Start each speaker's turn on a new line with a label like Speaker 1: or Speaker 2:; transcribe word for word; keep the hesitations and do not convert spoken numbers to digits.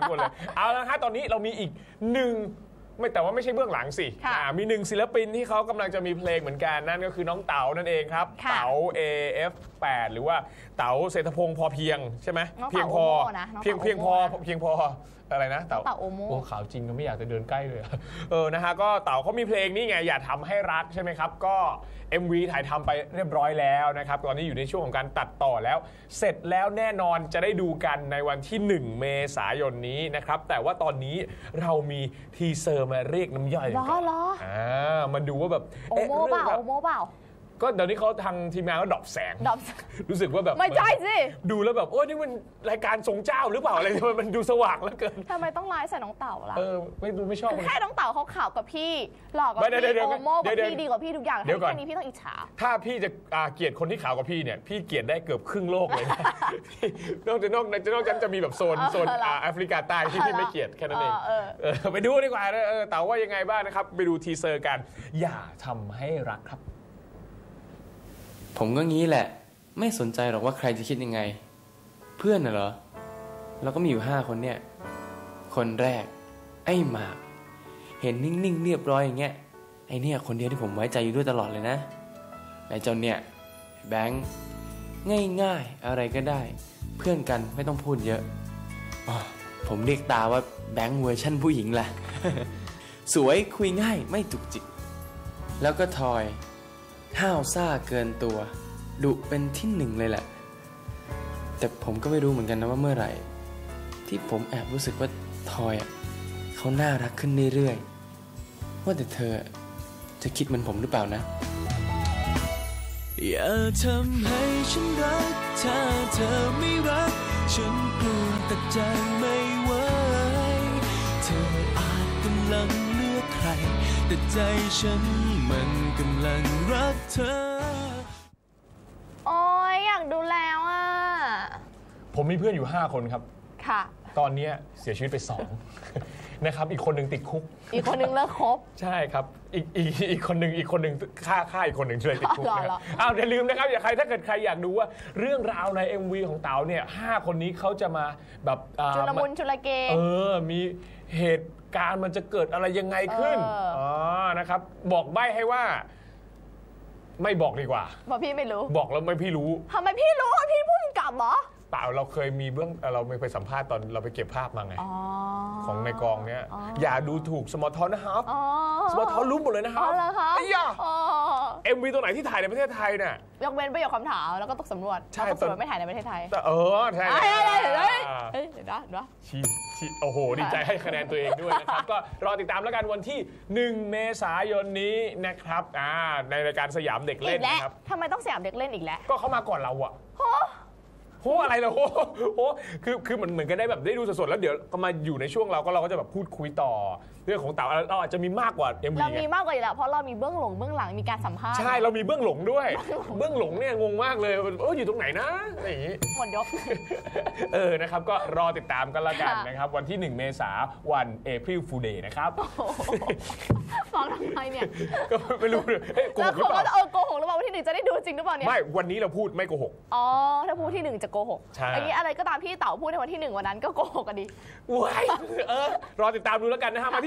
Speaker 1: ทุกคนเลยเอาละฮะตอนนี้เรามีอีกหนึ่งไม่แต่ว่าไม่ใช่เบื้องหลังสิมีหนึ่งศิลปินที่เขากำลังจะมีเพลงเหมือนกันนั่นก็คือน้องเต๋านั่นเองครับเต๋า เอ เอฟ แปด หรือว่าเต๋าเศรษฐพงศ์พอเพียงใช่ไหมเพียงพอเพียงเพียงพอเพียงพออะไรนะเต๋า
Speaker 2: โอโม
Speaker 1: โอ้ขาวจริงก็ไม่อยากจะเดินใกล้เลยเออนะฮะก็เต๋าเขามีเพลงนี่ไงอย่าทำให้รักใช่ไหมครับก็ เอ็ม วี ถ่ายทำไปเรียบร้อยแล้วนะครับตอนนี้อยู่ในช่วงของการตัดต่อแล้วเสร็จแล้วแน่นอนจะได้ดูกันในวันที่หนึ่งเมษายนนี้นะครับแต่ว่าตอนนี้เรามีทีเซอร์มาเรียกน้ำย่อยกันอ่ามาดูว่าแบบ
Speaker 2: โอโมเปล่าโอโมเปล่า
Speaker 1: ก็เดี๋ยวนี้เขาทางทีมงานก็ดรอปแสง รู้สึกว่าแบบ
Speaker 2: ไม่ใช่สิ
Speaker 1: ดูแล้วแบบโอ้นี่มันรายการทรงเจ้าหรือเปล่าอะไรมันดูสว่างแล้วเกิน
Speaker 2: ทำไมต้องไลฟ์ใส่น้องเต่าล่ะ
Speaker 1: เออไม่ดูไม่ชอบ
Speaker 2: แค่น้องเต่าเขาข่าวกับพี่หลอกกับพี่โอโมกับพี่ดีกว่าพี่ทุกอย่างแค่นี้พี่ต้องอิจฉา
Speaker 1: ถ้าพี่จะเกลียดคนที่ข่าวกับพี่เนี่ยพี่เกลียดได้เกือบครึ่งโลกเลยนะนอกจากนอกจากนอกจากจะมีแบบโซนโซนแอฟริกาใต้ที่พี่ไม่เกลียดแค่นั้นเองไปดูดีกว่าเต่าว่ายังไงบ้างนะครับไปดูทีเซอร์กันอย่าทำให้รักครับ
Speaker 3: ผมก็งี้แหละไม่สนใจหรอกว่าใครจะคิดยังไงเพื่อนน่ะเหรอเราก็มีอยู่ห้าคนเนี่ยคนแรกไอ้หมากเห็นนิ่งๆเรียบร้อยอย่างเงี้ยไอ้เนี่ยคนเดียวที่ผมไว้ใจอยู่ด้วยตลอดเลยนะไอ้เจ้าเนี่ยแบงค์ง่ายๆอะไรก็ได้เพื่อนกันไม่ต้องพูดเยอะอ๋อผมเรียกตาว่าแบงค์เวอร์ชั่นผู้หญิงแหละ สวยคุยง่ายไม่จุกจิกแล้วก็ทอยห้าวซ่าเกินตัวดุเป็นที่หนึ่งเลยแหละแต่ผมก็ไม่รู้เหมือนกันนะว่าเมื่อไหร่ที่ผมแอบรู้สึกว่าทอยอ่ะเขาน่ารักขึ้นเรื่อยๆว่าแต่เธอจะคิดเหมือนผมหรือเปล่านะ
Speaker 4: อย่าทำให้ฉันรักถ้าเธอไม่รักฉันกลัวตัดใจไม่ไหวเธออาจกำลังเลือกใครแต่ใจฉันมันกำลังรักเธอ
Speaker 2: โอ้ยอยากดูแล้วอ่ะ
Speaker 1: ผมมีเพื่อนอยู่ห้าคนครับ
Speaker 2: ค่ะ
Speaker 1: ตอนนี้เสียชีวิตไปสองนะครับอีกคนหนึ่งติดคุก
Speaker 2: อีกคนหนึ่งเลิกคบ
Speaker 1: ใช่ครับอีกอีกอีกคนหนึ่งอีกคนหนึ่งฆ่าฆ่าอีกคนหนึ่งเลยติดคุกนะครับอ้าวอย่าลืมนะครับอย่าใครถ้าเกิดใครอยากดูว่าเรื่องราวใน เอ็ม วี ของเต๋าเนี่ยห้าคนนี้เขาจะมาแบบ
Speaker 2: จุลมุนจุลเก
Speaker 1: เออมีเหตุการณ์มันจะเกิดอะไรยังไงขึ้นอ๋อนะครับบอกใบ้ให้ว่าไม่บอกดีกว่า
Speaker 2: เพราะพี่ไม่รู้
Speaker 1: บอกแล้วไม่พี่รู้
Speaker 2: ทำไมพี่รู้พี่พูดกลับเหรอ
Speaker 1: เปล่าเราเคยมีเบื้องเราไปสัมภาษณ์ตอนเราไปเก็บภาพมาไงของในกองเนี้ยอย่าดูถูกสมอลทอนนะครับสมอลทอนรู้หมดเลยนะครับไอ้ยาเอ็มวีตัวไหนที่ถ่ายในประเทศไทยเนี่ย
Speaker 2: ยกเว้นประโยคคำถามแล้วก็ตกสำรวจ
Speaker 1: ใช่
Speaker 2: ตกสำรวจไม่ถ่ายในประเทศไทย
Speaker 1: เออใช่
Speaker 2: เฮ้ยเดี๋ยวนะเดี๋ยว
Speaker 1: ชีชีโอ้โหดีใจให้คะแนนตัวเองด้วยนะครับก็รอติดตามแล้วกันวันที่หนึ่งเมษายนนี้นะครับอ่าในรายการสยามเด็กเล่นนะครับ
Speaker 2: ทำไมต้องสยามเด็กเล่นอีกแล้ว
Speaker 1: ก็เข้ามาก่อนเราอะโหอะไรล่ะโหโหคือคือเหมือนเหมือนกันได้แบบได้ดูสดๆแล้วเดี๋ยวก็มาอยู่ในช่วงเราก็เราก็จะแบบพูดคุยต่อเรื่องของเต๋าเราอาจจะมีมากกว่า เอ็ม วี
Speaker 2: เรามีมากกว่าอยู่แล้วเพราะเรามีเบื้องหลังเบื้องหลังมีการสัมภาษณ์
Speaker 1: ใช่เรามีเบื้องหลังด้วยเบื้องหลังเนี่ยงงมากเลยเอออยู่ตรงไหนนะอะไรอย่างงี้
Speaker 2: หมดยก
Speaker 1: เออนะครับก็รอติดตามกันละกันนะครับวันที่หนึ่งเมษายนวัน April Fool Day นะครับ
Speaker 2: ฟังทำไมเนี่ย
Speaker 1: ก็ไม่รู้โกหกหรือเปล่า
Speaker 2: เออโกหกหรือเปล่าวันที่หนึ่งจะได้ดูจริงหรือเปล่าเนี่ย
Speaker 1: ไม่วันนี้เราพูดไม่โกหก
Speaker 2: อ๋อถ้าพูดที่หนึ่งจะโกหกอันนี้อะไรก็ตามพี่เต๋าพูดในวันที่หนึ่งวันนั้นก็โกหกกันดี
Speaker 1: ว้ายเออรอติดตามดูแล้วกันนะฮะ